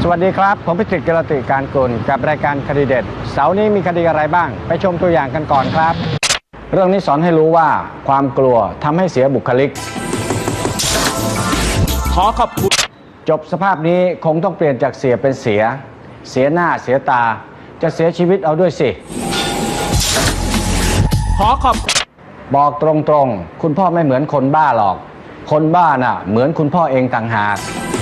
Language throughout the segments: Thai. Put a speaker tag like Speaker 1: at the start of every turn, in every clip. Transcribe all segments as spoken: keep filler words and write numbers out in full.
Speaker 1: วัสดีครับผมพิจิตร กิรติการกุลกับรายการคดีเด็ดเสาร์นี้มีคดีอะไรบ้างไปชมตัวอย่างกันก่อนครับเรื่องนี้สอนให้รู้ว่าความกลัวทำให้เสียบุคลิก
Speaker 2: ขอขอบคุณ
Speaker 1: จบสภาพนี้คงต้องเปลี่ยนจากเสียเป็นเสียเสียหน้าเสียตาจะเสียชีวิตเอาด้วยสิ
Speaker 2: ขอขอบ
Speaker 1: บอกตรงๆคุณพ่อไม่เหมือนคนบ้าหรอกคนบ้าน่ะเหมือนคุณพ่อเองต่างหาก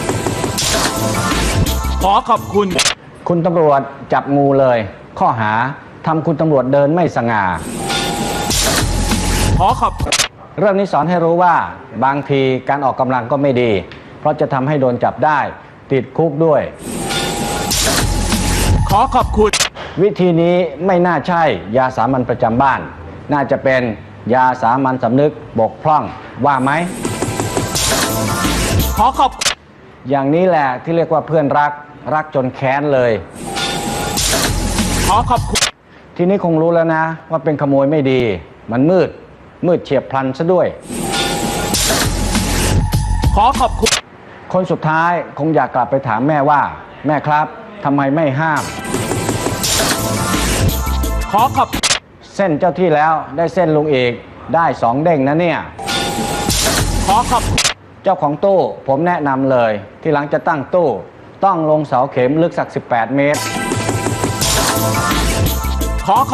Speaker 2: ขอขอบคุณ
Speaker 1: คุณตำรวจจับงูเลยข้อหาทำคุณตำรวจเดินไม่สง่า
Speaker 2: ขอขอบ
Speaker 1: เรื่องนี้สอนให้รู้ว่าบางทีการออกกำลังก็ไม่ดีเพราะจะทำให้โดนจับได้ติดคุกด้วย
Speaker 2: ขอขอบคุณ
Speaker 1: วิธีนี้ไม่น่าใช่ยาสามัญประจำบ้านน่าจะเป็นยาสามัญสำนึกบกพร่องว่าไหม
Speaker 2: ขอขอบ
Speaker 1: อย่างนี้แหละที่เรียกว่าเพื่อนรักรักจนแค้นเลย
Speaker 2: ขอขอบคุณ
Speaker 1: ทีนี้คงรู้แล้วนะว่าเป็นขโมยไม่ดีมันมืดมืดเฉียบพลันซะด้วย
Speaker 2: ขอขอบคุณ
Speaker 1: คนสุดท้ายคงอยากกลับไปถามแม่ว่าแม่ครับทำไมไม่ห้าม
Speaker 2: ขอขอบ
Speaker 1: เส้นเจ้าที่แล้วได้เส้นลุงอีกได้สองเด้งนะเนี่ย
Speaker 2: ขอขอบ
Speaker 1: เจ้าของตู้ผมแนะนำเลยที่หลังจะตั้งตู้ต้องลงเสาเข็มลึกสักสิบแปดเมตร
Speaker 2: ขอ